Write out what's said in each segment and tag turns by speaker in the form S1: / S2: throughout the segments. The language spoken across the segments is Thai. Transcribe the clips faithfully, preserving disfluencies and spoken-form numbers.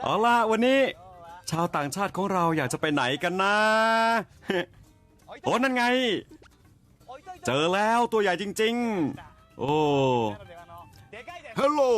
S1: เอาล่ะวันนี้ชาวต่างชาติของเราอยากจะไปไหนกันนะโอ้นั่นไงเจอแล้วตัวใหญ่จริงๆโอ้
S2: Hello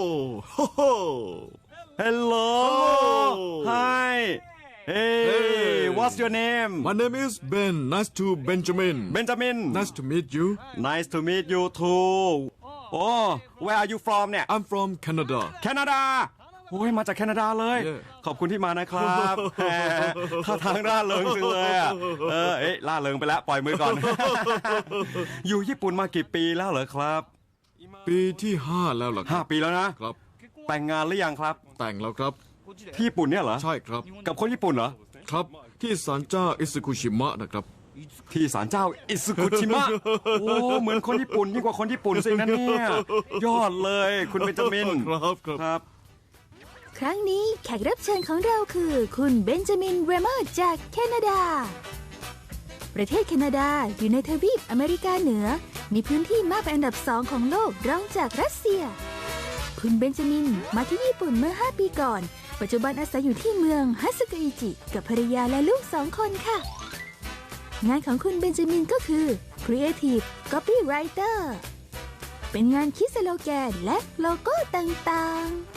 S1: Hello Hi Hey What's your name
S2: My name is Ben Nice to Benjamin
S1: Benjamin
S2: Nice to meet you
S1: Nice to meet you too โอ้ Where are you from เนี่ย
S2: I'm from Canada
S1: แคนาดาโอ้ยมาจากแคนาดาเลย
S2: Yeah.
S1: ขอบคุณที่มานะครับแหมท่าทางร่าเริงจังเลยอ่ะเออเอ๊ะร่าเริงไปแล้วปล่อยมือก่อน อยู่ญี่ปุ่นมากี่ปีแล้วเหรอครับ
S2: ปีที่ห้าแล้วล่ะค
S1: ห้า
S2: รับ
S1: ปีแล้วนะครับ แต่งงานหรือยังครับ
S2: แต่งแล้วครับ
S1: ที่ญี่ปุ่นเนี่ยเหรอ
S2: ใช่ครับ
S1: กับคนญี่ปุ่นเหรอ
S2: ครับที่ศาลเจ้าอิซึคุชิมะนะครับ
S1: ที่ศาลเจ้าอิซึกุชิมะโอ้เหมือนคนญี่ปุ่นยิ่งกว่าคนญี่ปุ่นสินะเนี่ยยอดเลยคุณเบนจามิน
S2: ครับครับ
S1: ครับ
S3: ครั้งนี้แขกรับเชิญของเราคือคุณเบนจามินเรเมอร์จากแคนาดา ประเทศแคนาดาอยู่ในทวีปอเมริกาเหนือ มีพื้นที่มากเป็นอันดับสองของโลกรองจากรัสเซีย คุณเบนจามินมาที่ญี่ปุ่นเมื่อห้าปีก่อน ปัจจุบันอาศัยอยู่ที่เมืองฮัสึกะอิจิกับภรรยาและลูกสองคนค่ะ งานของคุณเบนจามินก็คือ Creative Copywriter เป็นงานคิดสโลแกนและโลโก้ต่างๆ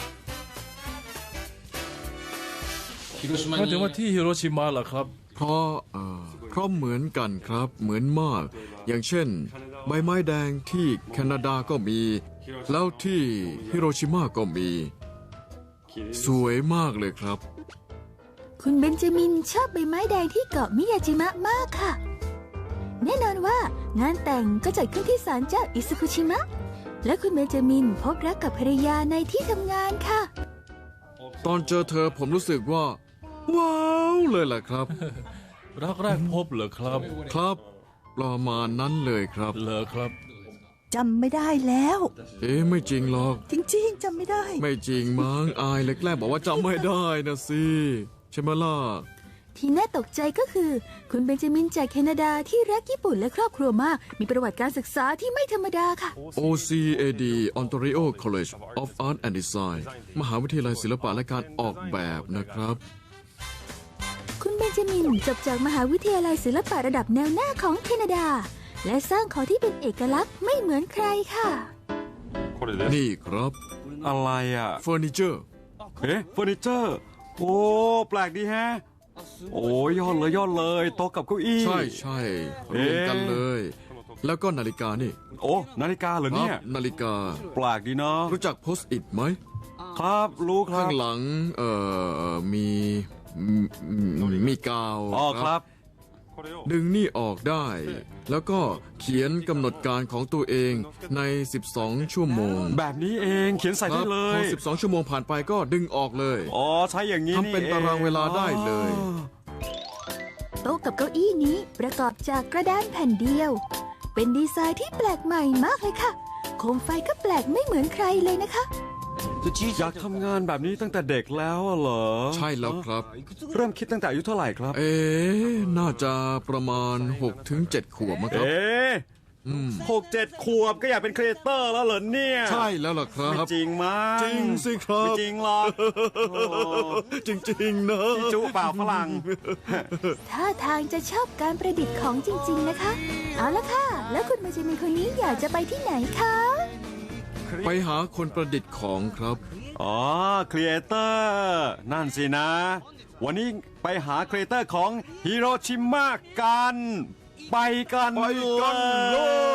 S4: มาถึงว่าที่ฮิโรชิมาเหรอครับ
S2: เพราะเอ่อเพราะเหมือนกันครับเหมือนมาก อย่างเช่น ใบไม้แดงที่แคนาดาก็มี แล้วที่ฮิโรชิมาก็มี สวยมากเลยครับ
S3: คุณเบนจามินชอบใบไม้แดงที่เกาะมิยาจิมะมากค่ะ แน่นอนว่างานแต่งก็จัดขึ้นที่ศาลเจ้าอิซึคุชิมะ และคุณเบนจามินพบรักกับภรรยาในที่ทำงานค่ะ
S2: ตอนเจอเธอผมรู้สึกว่า ว้าวเลยแหละครับ
S4: รักแรกพบเหรอครับ
S2: ครับประมาณนั้นเลยครับ
S4: เหรอครับ
S5: จำไม่ได้แล้ว
S2: เอ๊ะไม่จริงหรอก
S5: จริงๆจำไม่ได้
S2: ไม่จริงมั้งอายเลยแกล้งบอกว่าจำไม่ได้นะสิใช่ไหมล่ะ
S3: ที่น่าตกใจก็คือ คุณเบนจามินจากแคนาดาที่รักญี่ปุ่นและครอบครัวมาก มีประวัติการศึกษาที่ไม่ธรรมดาค่ะ
S2: โอ ซี เอ ดี Ontario College of Art and Design มหาวิทยาลัยศิลปะและการออกแบบนะครับ
S3: คุณเบนจามินจบจากมหาวิทยาลัยศิลปะระดับแนวหน้าของแคนาดา และสร้างของที่เป็นเอกลักษณ์ไม่เหมือนใครค่ะ
S2: นี่ครับ
S1: อะไรอ่ะ
S2: เฟอร์นิเจอร์
S1: เอ๊ะเฟอร์นิเจอร์โอ้แปลกดีแฮะโอ้ยอดเลยยอดเลยโต๊ะกับเก้าอี้
S2: ใช่ใช่รวมกันเลย แล้วก็นาฬิกานี่
S1: โอ้นาฬิกาเหรอ
S2: ครั
S1: เนี่ย
S2: นาฬิกา
S1: แปลกดีเนาะ
S2: รู้จักโพสต์อิทไหม
S1: ครับรู้ครั
S2: ข้า
S1: บ
S2: งหลังเอ่อมีมีมีกาว
S1: อ๋อครับ
S2: ดึงนี่ออกได้ แล้วก็เขียนกำหนดการของตัวเองใน สิบสอง ชั่วโมง
S1: แบบนี้เองเขียนใส่
S2: ค
S1: ได้
S2: รับ
S1: เล
S2: พอย สิบสอง ชั่วโมงผ่านไปก็ดึงออกเลย
S1: อ๋อใช้อย่างนี้
S2: ทำเป็นตารางเวลาได้เลย
S1: อ๋อ
S3: โต๊ะกับเก้าอี้นี้ประกอบจากกระดานแผ่นเดียว เป็นดีไซน์ที่แปลกใหม่มากเลยค่ะโคมไฟก็แปลกไม่เหมือนใครเลยนะคะ
S1: อยากทำงานแบบนี้ตั้งแต่เด็กแล้วเหรอ
S2: ใช่แล้วครับ
S1: เริ่มคิดตั้งแต่อายุเท่าไหร่ครับ
S2: เอ๊ะน่าจะประมาณ หกถึงเจ็ด ขวบมั้งครับ
S1: เอ๊ะหกเจ็ดขวบก็อยากเป็นครีเอเตอร์แล้วเหรอเนี่ย
S2: ใช่แล้วล่ะครั
S1: ไม่
S2: บ
S1: จริงมั้ง
S2: จริงสิครับ
S1: ไม่จริงหรอกโอ้
S2: จริงๆนะ
S1: พี่จุเปล่าฝรั่ง
S3: ท่าทางจะชอบการประดิษฐ์ของจริง ๆนะคะ เอาละค่ะ แล้วคุณเบนจามินคนนี้อยากจะไปที่ไหนคะ
S2: ไปหาคนประดิษฐ์ของครับ
S1: อ๋อครีเอเตอร์นั่นสินะ วันนี้ไปหาครีเอเตอร์ของฮิโรชิมะกัน ไปกัน
S2: ไปกันเลย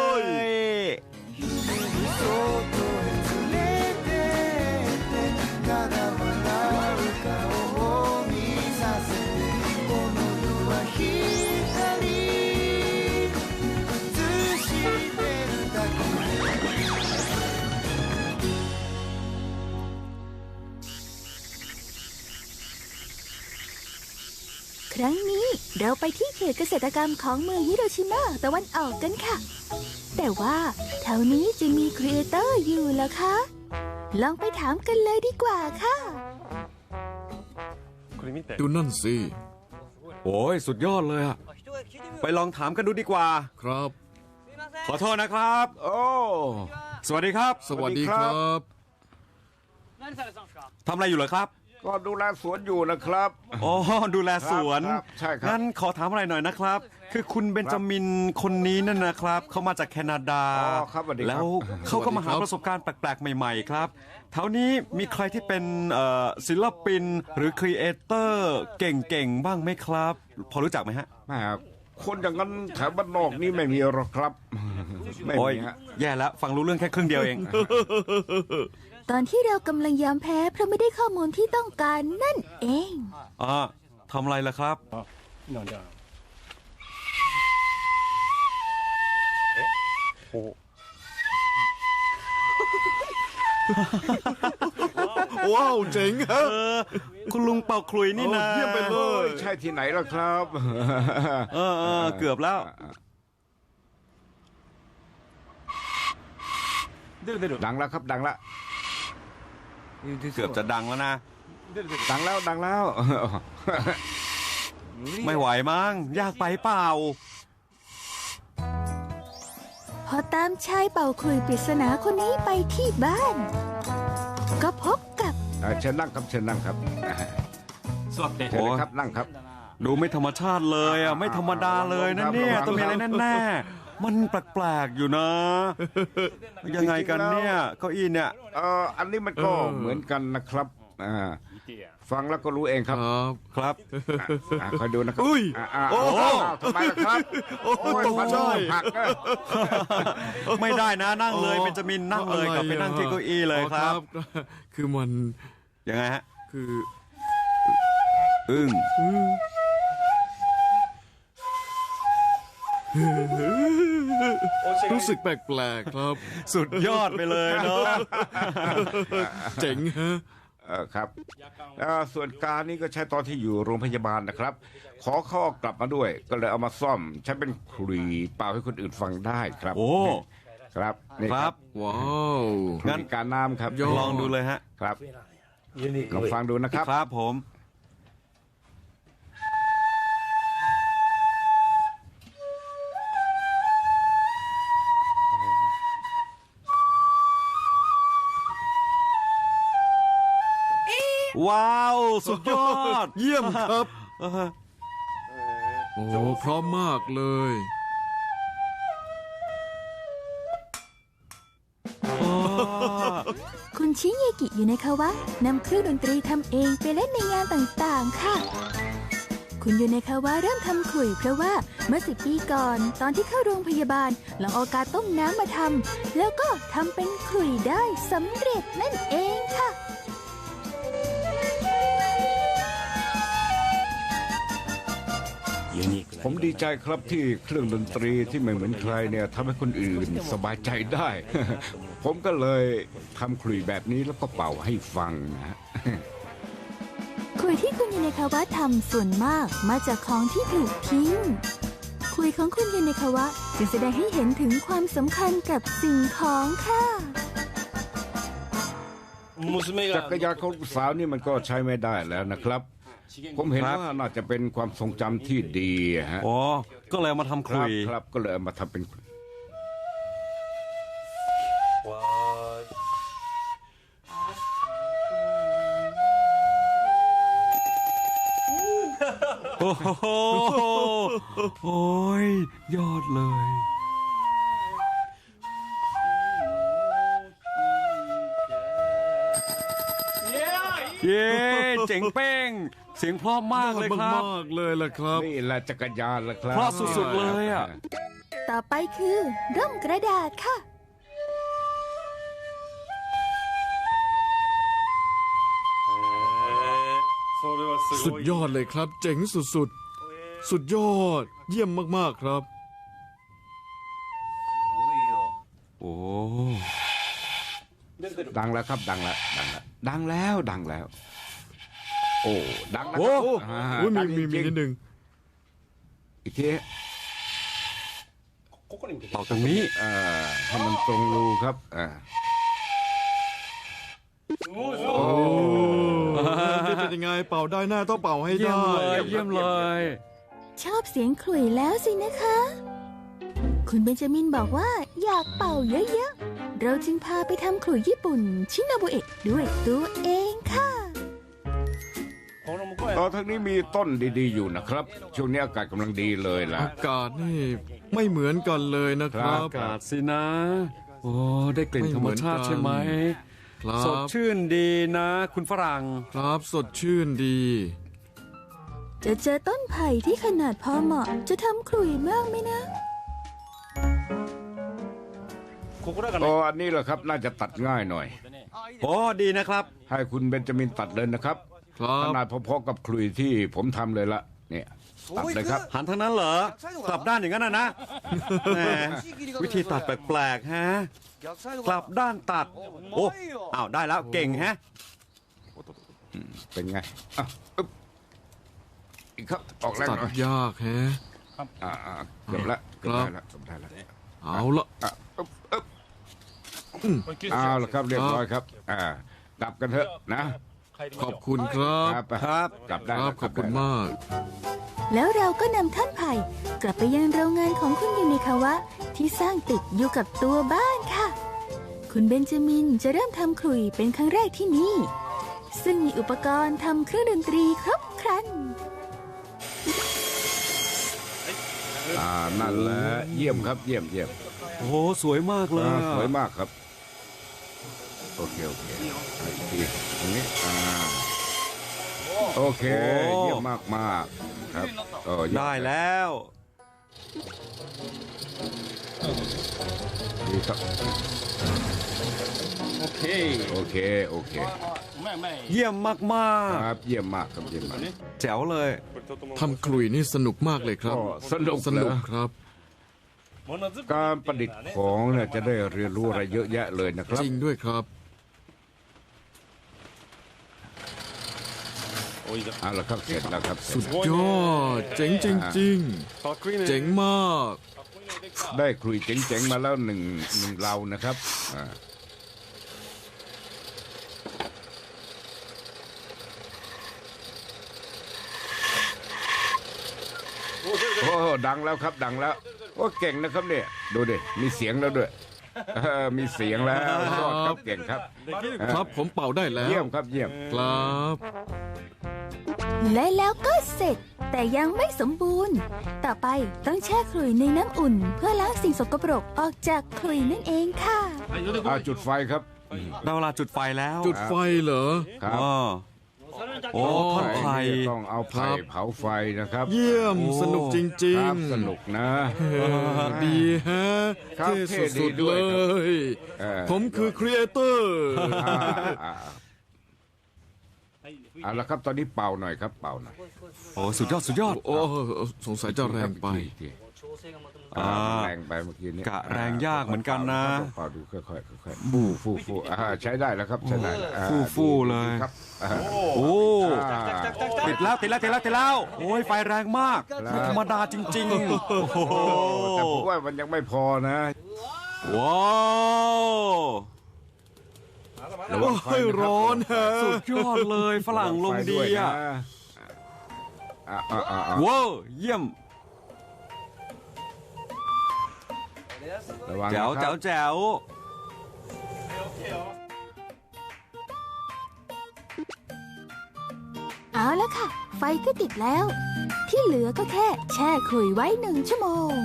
S3: ครั้งนี้เราไปที่เขตเกษตรกรรมของเมืองฮิโรชิมาตะวันออกกันค่ะ แต่ว่าแถวนี้จะมีครีเอเตอร์อยู่เหรอคะ ลองไปถามกันเลยดีกว่าค่ะ
S2: ดูนั่นสิ
S1: โอ้ยสุดยอดเลยอะไปลองถามกันดูดีกว่า
S2: ครับ
S1: ขอโทษนะครับ โอ้สวัสดีครับ
S2: สวัสดีครับ
S1: ทำอะไรอยู่เหรอครับ
S6: ก็ดูแลสวนอยู่นะครับ
S1: อ๋อดูแลสวน
S6: ครับใช่ครับ
S1: งั้นขอถามอะไรหน่อยนะครับ คือคุณเบนจามินคนนี้นั่นนะครับเขามาจากแคนาดา
S6: อ๋อครับสวัสดีครับ
S1: แล้วเขาก็มาหา
S2: สวัสดีครับ
S1: ประสบการณ์แปลกๆใหม่ๆครับแถวนี้มีใครที่เป็นเอ่อศิลปินหรือครีเอเตอร์เก่งๆบ้างไหมครับ พอรู้จักไหมฮะ
S6: แม่คนอย่างนั้นแถวบ้านนอกนี่ไม่มีหรอกครับ ไม่
S1: โอ้ย
S6: มีฮะ
S1: แย่แล้วฟังรู้เรื่องแค่ครึ่งเดียวเอง
S3: ตอนที่เรากำลังยอมแพ้เพราะไม่ได้ข้อมูลที่ต้องการนั่นเอง
S1: อ่าทำอะไรล่ะครับ
S4: なんだ
S2: ว้าวเจ๋งฮะ
S1: เออ คุณลุงเป่าขลุยนี่นะ
S2: โอ้เยี่ยมไปเลย
S6: ใช่ที่ไหนล่ะครับ
S1: เออเออเกือบแล้ว
S6: ดังแล้วครับดังแล้ว
S1: เกือบจะดังแล้วนะ
S6: ดังแล้วดังแล้ว
S1: ไม่ไหวมั้งยากไปเปล่า
S3: พอตามชายเป่าขลุ่ยปริศนาคนนี้ไปที่บ้าน ก็พบกับ
S6: เอ่อเชิญนั่งครับเชิญนั่งครับเชิญเลยครับนั่งครับ
S1: ดูไม่ธรรมชาติเลยอ่ะไม่ธรรมดาเลยนะเนี่ย
S6: ครับ
S1: ต้องมีอะไรแน่ๆมันแปลกๆอยู่นะ ยังไงกันเนี่ยเก้าอี้เนี่ย
S6: เอ่ออันนี้มันก็เหมือนกันนะครับอ่าฟังแล้วก็รู้เองค
S2: ครับ รับ
S1: ครับ
S6: อ่ะคอยดูนะครับ
S2: อุ้ย
S6: อ่ะอ่ะ
S2: โอ้
S6: อ้าวทำไมล่ะครับ
S2: โอ้โหตกใจ
S6: ผักนะ
S1: ไม่ได้นะนั่งเลยเบนจามินนั่งเลยกลับไปนั่งที่เก้าอี้เลยครับ
S2: อ๋อคือมัน
S1: ยังไงฮะ
S2: คือ
S1: อึ้ง
S2: รู้สึกแปลกๆครับ
S1: สุดยอดไปเลยเนาะ
S2: เจ๋งฮะ
S6: เออครับเอ่อส่วนการนี่ก็ใช้ตอนที่อยู่โรงพยาบาลนะครับ ขอเข้ากลับมาด้วย ก็เลยเอามาซ่อมใช้เป็นขลุ่ยเป่าให้คนอื่นฟังได้ครับ
S1: โอ้
S6: ครับนี่
S1: ครับ
S2: ว้าว
S6: งั้นการน้ำครับ
S2: ยอด
S1: ลองดูเลยฮะ
S6: ครับลองฟังดูนะครับ
S1: ครับผม ว้าว สุดยอด
S2: เยี่ยมครับ
S1: เออ
S2: โอ้พร้อมมากเลย
S1: อ๋อ
S3: คุณชิเยกิอยู่ในคาวะนำเครื่องดนตรีทำเองไปเล่นในงานต่างๆ ค่ะ คุณอยู่ในคาวะเริ่มทำขลุ่ยเพราะว่าเมื่อสิบปีก่อนตอนที่เข้าโรงพยาบาลลองเอากาต้มน้ำมาทำแล้วก็ทำเป็นขลุ่ยได้สำเร็จนั่นเองค่ะ
S6: ผมดีใจครับที่เครื่องดนตรีที่ไม่เหมือนใครเนี่ยทำให้คนอื่นสบายใจได้ ผมก็เลยทำขลุ่ยแบบนี้แล้วก็เป่าให้ฟังนะ
S3: ขลุ่ยที่คุณยูเนคาวะทำส่วนมากมาจากของที่ถูกทิ้งขลุ่ยของคุณยูเนคาวะจึงแสดงให้เห็นถึงความสำคัญกับสิ่งของค่ะ
S6: จักรยานของลูกสาวนี่มันก็ใช้ไม่ได้แล้วนะครับ ผมเห็นว่าน่าจะเป็นความทรงจำที่ดีฮะ
S1: อ๋อ ก็เลยเอามาทำ
S6: ค
S1: ข
S6: รั
S1: ลุ
S6: บ
S1: ย
S6: ครับก็เลยเอามาทำเป็น
S1: โอ้โหโอ้ย ยอดเลย เย้เจ๋งเป้ง เสียงเพราะมากเลยครับ
S2: มากๆเลยล่ะครับ
S6: นี่แหละจักรยานละครับ
S1: เพราะสุดๆเลยอ่ะ
S3: ต่อไปคือร่มกระดาษค่ะ
S2: สุดยอดเลยครับ เจ๋งสุดๆ สุดยอด เยี่ยมมากๆครับ
S1: โอ้
S6: ดังแล้วครับดังแล้วดังแล้วดังแล้วดังแล้ว โอ้ดังแล้ว
S2: โอ้
S6: ครับ
S2: โห
S6: อ่า
S2: อุ๊ย
S6: ดั
S2: มี
S6: ง
S2: มีมี
S6: จริ
S2: นิ
S6: ง
S2: ดนึง
S6: ๆอีกที
S1: ต่อตรงนี้
S6: เอ่อให้มันตรงรูครับอ่า
S2: โอ้นี่เป็นยังไงเป่าได้แน่ต้องเป่าให้
S1: เยี่ย
S2: ได้
S1: มเลย เยี่ยมเลย
S3: ชอบเสียงขลุ่ยแล้วสินะคะ คุณเบนจามินบอกว่าอยากเป่าเยอะๆ เราจึงพาไปทำขลุ่ยญี่ปุ่นชินาบุเอะด้วยตัวเองค่ะ
S6: ตอนทั้งนี้มีต้นดีๆอยู่นะครับ ช่วงนี้อากาศกำลังดีเลยล่ะ
S2: อากาศนี่ไม่เหมือนกันเลยนะครับ
S1: อากาศสินะ โอ้ได้กลิ่นธรรมชาติใช่ไหม
S2: ครั
S1: สด
S2: บ
S1: ชื่นดีนะ คุณฝรั่ง
S2: ครับสดชื่นดี
S3: จะเจอต้นไผ่ที่ขนาดพอเหมาะ จะทำขลุ่ยมากไหมนะ
S6: โอ้อันนี้แหละครับน่าจะตัดง่ายหน่อย
S1: โอ้ดีนะครับ
S6: ให้คุณเบนจามินตัดเลยนะครับ
S2: ครับ
S6: ขนาดพอๆกับขลุ่ยที่ผมทำเลยละเนี่ยตัดเลยครับ
S1: หันทางนั้นเหรอ กลับด้านอย่างนั้นนะนะแหมวิธีตัดแปลกๆฮะ กลับด้านตัด โอ้อ้าวได้แล้วเก่งฮะ
S6: เป็นไงอ่ะอึ๊บอีกครับออกแรง
S2: ตัด
S6: หน่อย
S2: ยากแฮะ
S6: อ่าอ่าเกือบละเกือบได้ละเกือบได้ละ
S2: เอาละ
S6: อ่ะอึ๊บอึ๊บเอาละครับเรียบร้อยครับ อ่ากลับกันเถอะนะ
S2: ขอบคุณครับ
S6: ครับ กลับได้
S2: ค
S6: แล้
S2: รั
S6: ว
S2: บขอบคุณมาก
S3: แล้วเราก็นำท่อนไผ่กลับไปยังโรงงานของคุณยูนิคาวะที่สร้างติดอยู่กับตัวบ้านค่ะ คุณเบนจามินจะเริ่มทำขลุ่ยเป็นครั้งแรกที่นี่ ซึ่งมีอุปกรณ์ทำเครื่องดนตรีครบครัน
S6: อ่านั่นแหละเยี่ยมครับเยี่ยมเยี่ยม
S1: โอ้สวยมากเลย
S6: อ่า
S1: อะ
S6: สวยมากครับ โอเคโอเคอีกทีตรงนี้อ่าโอเคเยี่ยมมากมากๆครับโอ้เยี่ยม
S1: ได้แล้ว
S6: ดีครับ
S4: โอเค
S6: โอเคโอเค
S1: เยี่ยมมาก
S6: ครับเยี่ยมมากครับเยี่ยมมาก
S1: ๆ แจ๋วเลย
S2: ทำขลุ่ยนี่สนุกมากเลยครับ
S6: ก็สนุก
S2: สนุก
S6: เหรอ
S2: ครับ
S6: การประดิษฐ์ของเนี่ยจะได้เรียนรู้อะไรเยอะแยะเลยนะครับ
S2: จริงด้วยครับ
S6: เอาละครับเสร็จแล้วครับเสร็
S2: สุ
S6: จ
S2: ด
S6: แล้ว
S2: ยอด เจ๋งจริง ๆ เจ๋งมาก
S6: ได้คลุยเจ๋งๆมาแล้วหนึ่งหนึ่งเรานะครับอ่าโอ้ดังแล้วครับดังแล้วโอ้เก่งนะครับเนี่ยดูดิมีเสียงแล้วด้วยเออมีเสียงแล้วยอดครับเก่งครับ
S2: ครับผมเป่าได้แล้ว
S6: เยี่ยมครับเยี่ยม
S2: ครับ
S3: และแล้วก็เสร็จ แต่ยังไม่สมบูรณ์ ต่อไปต้องแช่ขลุ่ยในน้ำอุ่น เพื่อล้างสิ่งสกปรกออกจากขลุ่ยนั่นเองค่ะ
S6: อาจุดไฟครับ
S1: ได้เวลาจุดไฟแล้ว
S2: จุดไฟเหรอ
S6: ครับ
S1: อ๋อโอ้ท่อนไผ่
S6: ต้องเอาไผ่เผาไฟนะครับ
S2: เยี่ยม
S1: โอ้
S2: สนุกจริ
S6: ค
S2: ง
S6: รับสนุกนะ
S2: ๆเออดีฮะ
S6: ครับ
S2: เท่
S6: เท่ดี
S2: สุดๆ
S6: ด้
S2: เล
S6: วยครับ
S2: ย
S6: เออ
S2: ผมคือครีเอเตอร์
S6: อ่าอ่าเอาละครับตอนนี้เป่าหน่อยครับเป่าหน่อย
S1: โอ้สุดยอดสุดยอด
S2: โอ้สงสัยจะแรงไป
S6: อ่า
S1: อ่า
S6: แรงไปเมื่อกี้นี้
S1: กะแรงยากเหมือนกันนะ
S6: ต้องเป่าดูค่อยๆค่อยๆฟู่ฟู่ฟู่อ่าใช้ได้แล้วครับใช้ได้แล้วอ่า
S1: ฟู่ฟู่เลย
S6: ดีครับอ่า
S1: โอ้
S6: อ่า
S1: ติดแล้วติดแล้วติดแล้วติดแล้ว โอ้ยไฟแรงมากไม่ธรรมดาจริงๆ โอ้โห
S6: แต่ผมว่ามันยังไม่พอนะ
S1: ว้าว
S6: ระวังไฟ
S2: โอ้ย
S6: นะคบ
S2: ร้อนฮะ
S1: สุดยอดเลยฝรั่งลงดีอ่ะ
S6: อ่าอ่าอ่าอ่า
S1: ว้าวเยี่ยม
S6: ระวัง
S1: แจ๋ว
S6: นะค
S1: แจ๋
S6: รั
S1: ว
S6: บ
S1: แจ๋ว
S3: เอาละค่ะ ไฟก็ติดแล้ว ที่เหลือก็แค่แช่ขลุ่ยไว้หนึ่งชั่วโมง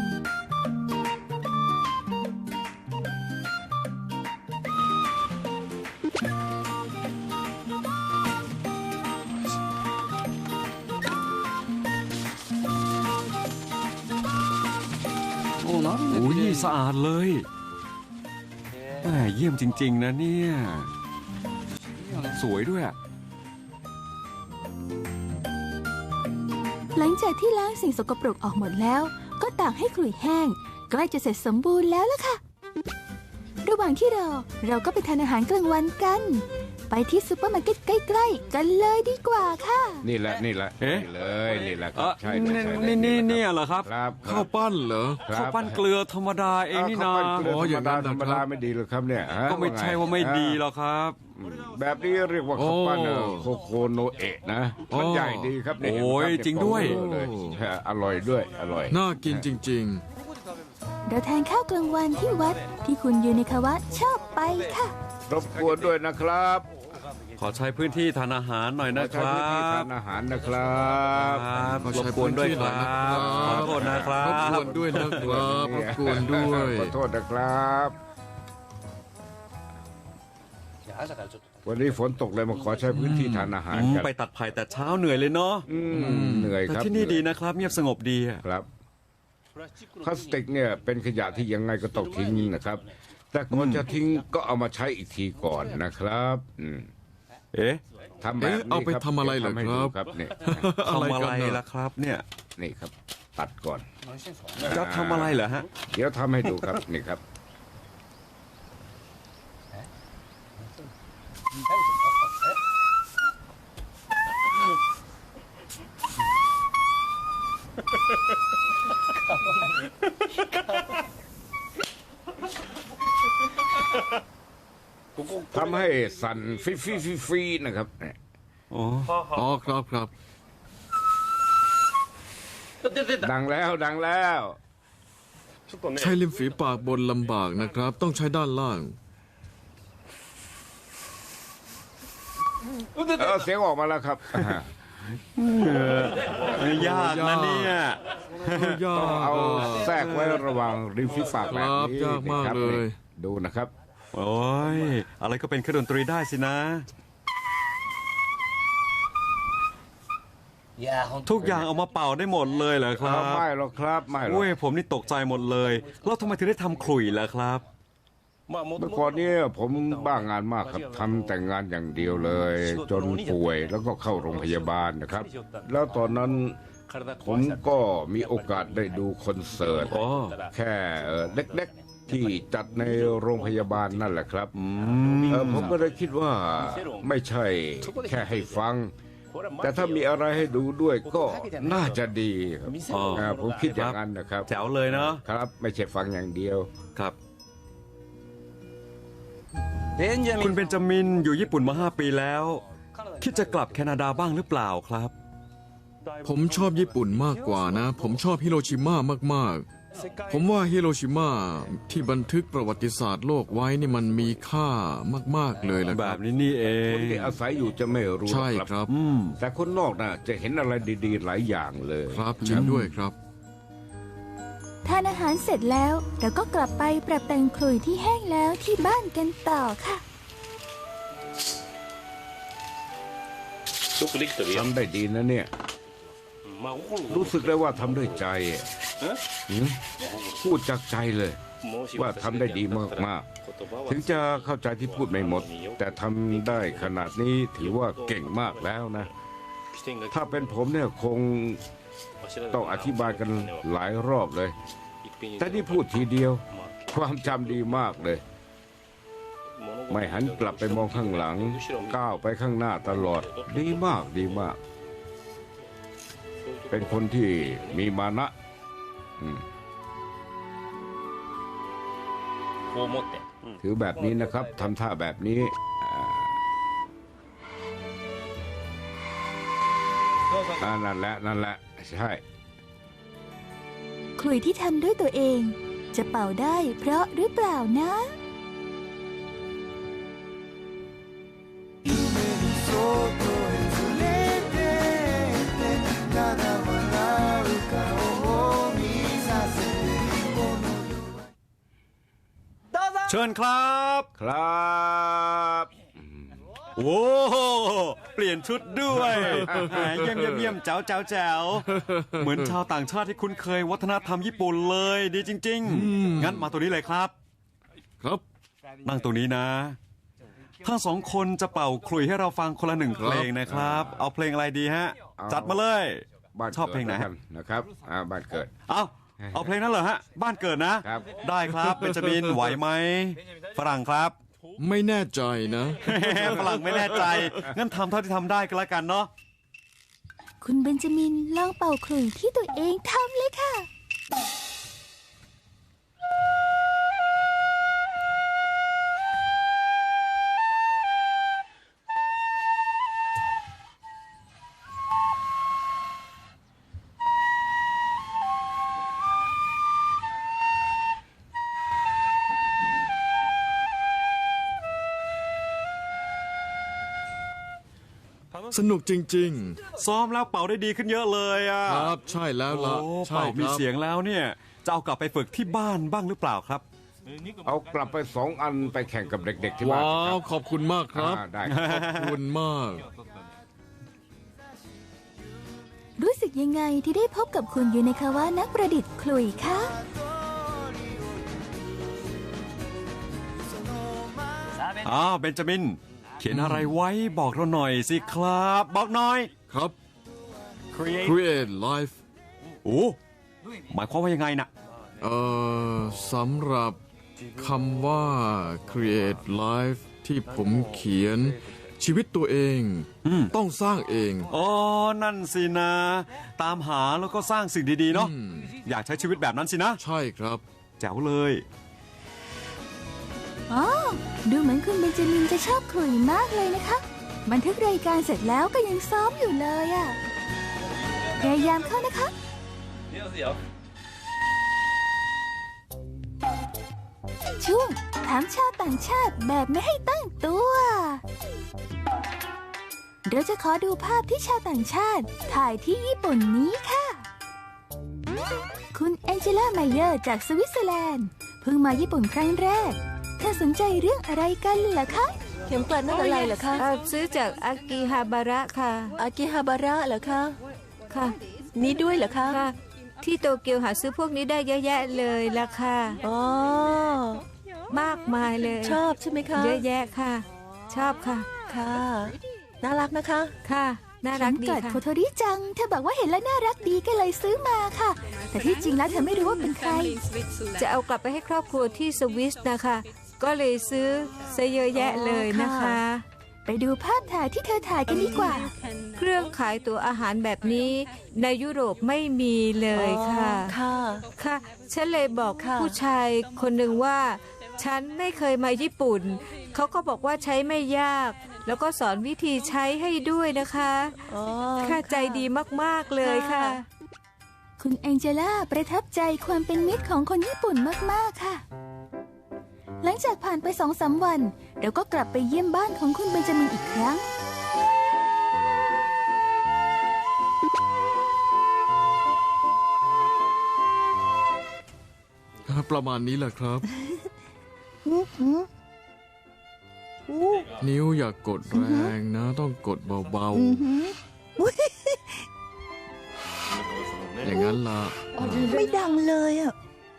S1: โอ้ยสะอาดเลยแหมเยี่ยมจริง ๆ นะเนี่ย สวยด้วยอะ
S3: หลังจากที่ล้างสิ่งสกปรกออกหมดแล้ว ก็ตากให้ขลุ่ยแห้งใกล้จะเสร็จสมบูรณ์แล้วล่ะค่ะ ระหว่างที่รอเราก็ไปทานอาหารกลางวันกัน ไปที่ซูเปอร์มาร์เก็ตใกล้ๆกันเลยดีกว่าค่ะ
S6: นี่แหละนี่แหละ
S1: เอ๊ะ
S6: นี่เลยนี่แหละค
S1: เอ
S6: รับ
S1: อ
S6: ใช่เลย
S1: นี่
S6: ใช่เลย
S1: นี่นี่
S6: แหละ
S1: เนี่ยเหรอครับ
S6: ครับค
S2: ข้า
S6: รั
S2: ว
S6: บ
S2: ปั้นเหรอ
S6: ครับ
S1: ข้าวปั้นเกลือธรรมดาเองนี่
S6: ข้า
S1: นา
S6: วปั้นเกลือ
S2: อ๋อ
S6: ธร
S2: อย่าร ง
S6: ม
S2: นั้
S6: ดาน ธรรม
S2: นะครับ
S6: ดาไม่ดีหรอกครับเนี่ยฮะ
S1: ก็ไม่ใช่ว่าไม่ดีหรอกครับ
S6: แบบนี้เรียกว่าข้าวปั้นเอ่อ
S2: โอ้
S6: โคโคโนเอะนะ
S2: โอ้
S6: มันใหญ่ดีครับเนี่ย
S1: โอ้ย
S6: เห็นไหมคบ
S1: จริงด้วย
S6: เอเลยฮะอร่อยด้วยอร่อย
S2: น่ากินจริง
S3: เราทานข้าวกลางวันที่วัดที่คุณยูนิคาวะชอบไปค่ะ
S6: รบกวนด้วยนะครับ
S1: ขอใช้พื้นที่ทานอาหารหน่อยนะค
S6: ใช้
S1: รั
S6: พื้นที่
S1: บ
S6: ทานอาหารนะครับ
S1: ครับ
S2: ขอ
S1: ร
S2: ใช้
S1: บกวนด้วยค
S2: พื้
S1: รั
S2: นที่หน่อยนะครับ
S1: บขอโทษนะครับ
S2: รบกวนด้วยนะครับรบกวนด้วย
S6: ขอโทษนะครับ วันนี้ฝนตกเลยมาขอใช้พื้นที่ทานอาหาร
S1: อืม
S6: กัน
S1: ไปตัดไผ่แต่เช้าเหนื่อยเลยเนาะ
S6: อืมเหนื่อย
S1: แต่
S6: ครับ
S1: ที่นี่ดีนะครับเงียบสงบดีอะ
S6: ครับพลาสติกเนี่ยเป็นขยะที่ยังไงก็ต้องทิ้งนะครับ แต่ก่อนจะทิ้งก็เอามาใช้อีกทีก่อนนะครับอืม
S1: เอ๊ะ
S6: ทำแบบนี้
S2: เอ๊ะเอาไป
S6: ครับ
S2: ทำอะไรเหรอ
S6: ทำให้
S2: ครับ
S6: ดูครับเนี่ย
S2: อะไร
S1: ทำอะ
S2: กั
S1: ไร
S2: นน่ะ
S1: ล่ะครับเนี่ย
S6: นี่ครับ ตัดก่อน
S1: จะทำอะไรเหรอฮะ
S6: เดี๋ยวทำให้ดูครับนี่ครับ ทำให้สั่นฟิฟิฟิฟีนะครับเนี่ย
S1: โอ้
S2: อ๋อครับครับ
S6: ดังแล้วดังแล้ว
S2: ใช้ริมฝีปากบนลำบากนะครับ ต้องใช้ด้านล่าง
S6: เออเสียงออกมาแล้วครับ
S1: ยากนะเนี่ย
S2: ยา
S6: ต้อง
S2: ก
S6: เอา
S2: อ่ะ
S6: แทรกไว้ระหว่างริมฝีปากแบบนี้
S2: ครับยากมาก
S6: นะครับ
S2: เลย
S6: นี่ดูนะครับ
S1: โอ้ยอะไรก็เป็นเครื่องดนตรีได้สินะ ทุกอย่างเอามาเป่าได้หมดเลยเหรอครับ
S6: ไม่หรอกครับไม่หรอก
S1: เว้ยผมนี่ตกใจหมดเลยแล้วทำไมถึงได้ทำขลุ่ยล่ะครับ
S6: เมื่อก่อนเนี้ผมบ้างานมากครับทำแต่งงานอย่างเดียวเลย จนป่วยแล้วก็เข้าโรงพยาบาลนะครับ แล้วตอนนั้นผมก็มีโอกาสได้ดูคอนเสิร์ต
S1: อ๋อ
S6: แค่เอ่อเล็กๆที่จัดในโรงพยาบาลนั่นแหละครับ
S1: อืม
S6: เออผมก็เลยคิดว่าไม่ใช่แค่ให้ฟัง แต่ถ้ามีอะไรให้ดูด้วยก็น่าจะดีครับ
S1: อ๋อ
S6: อ่าผมคิดอย่างนั้นนะครับ
S1: แจ๋วเลยเนาะ
S6: ครับ ไม่ใช่ฟังอย่างเดียว
S1: ครับ คุณเบนจามินอยู่ญี่ปุ่นมาห้าปีแล้ว คิดจะกลับแคนาดาบ้างหรือเปล่าครับ
S2: ผมชอบญี่ปุ่นมากกว่านะ ผมชอบฮิโรชิมามากๆ ผมว่าฮิโรชิมาที่บันทึกประวัติศาสตร์โลกไว้นี่มันมีค่ามากๆเลยแหละ
S1: แบ
S2: ครับ บ
S1: นี้นี่เอ
S6: ค
S1: ง
S6: นที่อาศัยอยู่จะไม่รู้หร
S2: ใช่
S6: อก
S2: ครับ
S1: อืม
S6: แต่คนนอกน่ะจะเห็นอะไรดีๆ หลายอย่างเลย
S2: ครับจริงด้วยครับ
S3: ทานอาหารเสร็จแล้วเราก็กลับไปปรับแต่งขลุ่ยที่แห้งแล้วที่บ้านกันต่อค่ะ
S6: ทำได้ดีนะเนี่ย รู้สึกได้ว่าทำด้วยใจหืมพูดจากใจเลย ว่าทำได้ดีมากๆ ถึงจะเข้าใจที่พูดไม่หมด แต่ทำได้ขนาดนี้ถือว่าเก่งมากแล้วนะ ถ้าเป็นผมเนี่ยคงต้องอธิบายกันหลายรอบเลย แต่นี่พูดทีเดียว ความจำดีมากเลย ไม่หันกลับไปมองข้างหลัง ก้าวไปข้างหน้าตลอด ดีมากดีมาก เป็นคนที่มีมานะอืมถือแบบนี้นะครับทำท่าแบบนี้อ่าอ่านั่นแหละนั่นแหละใช่
S3: ขลุ่ยที่ทำด้วยตัวเอง จะเป่าได้เพราะหรือเปล่านะ
S1: เชิญครับ
S6: ครับ
S1: โอ้โหเปลี่ยนชุดด้วยแหมเยี่ยมเยี่ยมเยี่ยมแจ๋วแจ๋วแจ๋วเหมือนชาวต่างชาติที่คุ้นเคยวัฒนธรรมญี่ปุ่นเลย ดีจริง ๆ งั้นมาตัวนี้เลยครับ
S2: ครับ
S1: นั่งตรงนี้นะ ทั้งสองคนจะเป่าขลุ่ยให้เราฟังคนละหนึ่งเพลงนะครับ เอาเพลงอะไรดีฮะ จัดมาเลย
S6: บ้าน
S1: ชอบเพลงไหน
S6: กิด
S1: ฮะ
S6: แล้วกันะครับอ่าบ้านเกิด
S1: เอาเอาเพลงนั้นเหรอฮะ บ้านเกิดนะ
S6: ครับ
S1: ได้ครับเบนจามินไหวไหมฝรั่งครับ
S2: ไม่แน่ใจนะ
S1: ฝรั่งไม่แน่ใจ งั้นทำเท่าที่ทำได้ก็แล้วกันเนาะ
S3: คุณเบนจามินลองเป่าขลุ่ยที่ตัวเองทำเลยค่ะ
S2: สนุกจริง
S1: ซ้อมแล้วเป่าได้ดีขึ้นเยอะเลยอ่ะ
S2: ๆ ครับใช่แล้วล่ะ
S1: โอ้
S2: ใช่
S1: เป่า
S2: ค
S1: มี
S2: รับ
S1: เสียงแล้วเนี่ยจะเอากลับไปฝึกที่บ้านบ้างหรือเปล่าครับ
S6: เอากลับไปสองอันไปแข่งกับเด็กๆที่บ้าน
S2: ว้า
S6: ครั
S2: ว
S6: บ
S2: ขอบคุณมากครับ
S6: อ่าได้
S2: ขอบคุณมาก
S3: รู้สึกยังไงที่ได้พบกับคุณยูเนคาวะนักประดิษฐ์ขลุ่ยคะ
S1: อ้าวเบนจามิน เขียนอะไรไว้บอกเราหน่อยสิครับ บอกหน่อย
S2: ครับ Create Life
S1: โอ้หมายความว่ายังไงนะ
S2: เอ่อสำหรับคำว่า Create Life ที่ผมเขียนชีวิตตัวเอง
S1: อืม
S2: ต้องสร้างเอง
S1: อ๋อนั่นสินะ ตามหาแล้วก็สร้างสิ่งดีๆเนาะ
S2: อืม
S1: อยากใช้ชีวิตแบบนั้นสินะ
S2: ใช่ครับ
S1: แจ๋วเลย
S3: อ๋อ ดูเหมือนคุณเบนจามินจะชอบขลุ่ยมากเลยนะคะ บันทึกรายการเสร็จแล้วก็ยังซ้อมอยู่เลยอะพยายามเข้านะคะ ช่วงถามชาวต่างชาติแบบไม่ให้ตั้งตัว เราจะขอดูภาพที่ชาวต่างชาติถ่ายที่ญี่ปุ่นนี้ค่ะ คุณแองเจล่าไมเยอร์จากสวิตเซอร์แลนด์เพิ่งมาญี่ปุ่นครั้งแรกเธอสนใจเรื่องอะไรกันล่ะคะ
S5: เข็มกลัดนั่นอะไรเหรอคะ
S7: เอ่อซื้อจากอากิฮาบาระค่ะ
S5: อากิฮาบาระเหรอคะ
S7: ค่ะ
S5: นี่ด้วยเหรอคะ
S7: ค่ะ ที่โตเกียวหาซื้อพวกนี้ได้เยอะแยะเลยละค่ะ
S5: อ๋อ
S7: มากมายเลย
S5: ชอบใช่ไหมคะ
S7: เยอะแยะค่ะ ชอบค่ะ
S5: ค่ะ น่ารักนะคะ
S7: ค่ะ น่ารักดี
S3: เกิด
S7: ค่ะ
S3: โคโทริจัง เธอบอกว่าเห็นแล้วน่ารักดีก็เลยซื้อมาค่ะ แต่ที่จริงแล้วเธอไม่รู้ว่าเป็นใคร
S7: จะเอากลับไปให้ครอบครัวที่สวิสนะคะ ก็เลยซื้อซะเยอะแยะเลยนะคะ
S3: ไปดูภาพถ่ายที่เธอถ่ายกันดีกว่า
S7: เครื่องขายตัวอาหารแบบนี้ในยุโรปไม่มีเลยค่ะ
S5: ค่ะ
S7: ค่ะ ฉันเลยบอก
S5: ค่ะ
S7: ผู้ชายคนหนึ่งว่า ฉันไม่เคยมาญี่ปุ่น เขาก็บอกว่าใช้ไม่ยาก แล้วก็สอนวิธีใช้ให้ด้วยนะคะ
S5: อ๋อ
S7: ค่าใจดีมากๆเลยค่ะ
S3: คุณแองเจล่าประทับใจความเป็นมิตรของคนญี่ปุ่นมากๆค่ะ หลังจากผ่านไปสองสามวัน เราก็กลับไปเยี่ยมบ้านของคุณเบนจามินอีกครั้ง
S2: ประมาณนี้แหละครับ
S5: อื้อหืออู้
S2: นิ้วอย่ากกดแรงนะ ต้องกดเบา
S5: อื้อหืออุ๊ย
S2: ๆ อย่างนั้นล่ะ
S5: ไม่ดังเลยอ่ะ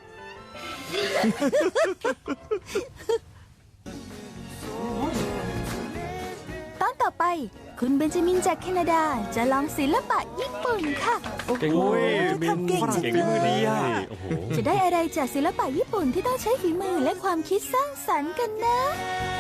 S3: ตอนต่อไป คุณเบนจามินจากแคนาดาจะลองศิลปะญี่ปุ่นค่ะ
S1: เก่งเลยมิน
S5: ทำเก่ง
S1: ฝรั่ง
S5: จัง
S1: เก่ง
S5: เลย
S1: มือดีอ่ะ
S3: จะได้อะไรจากศิลปะญี่ปุ่นที่ต้องใช้ฝีมือและความคิดสร้างสรรค์กันนะ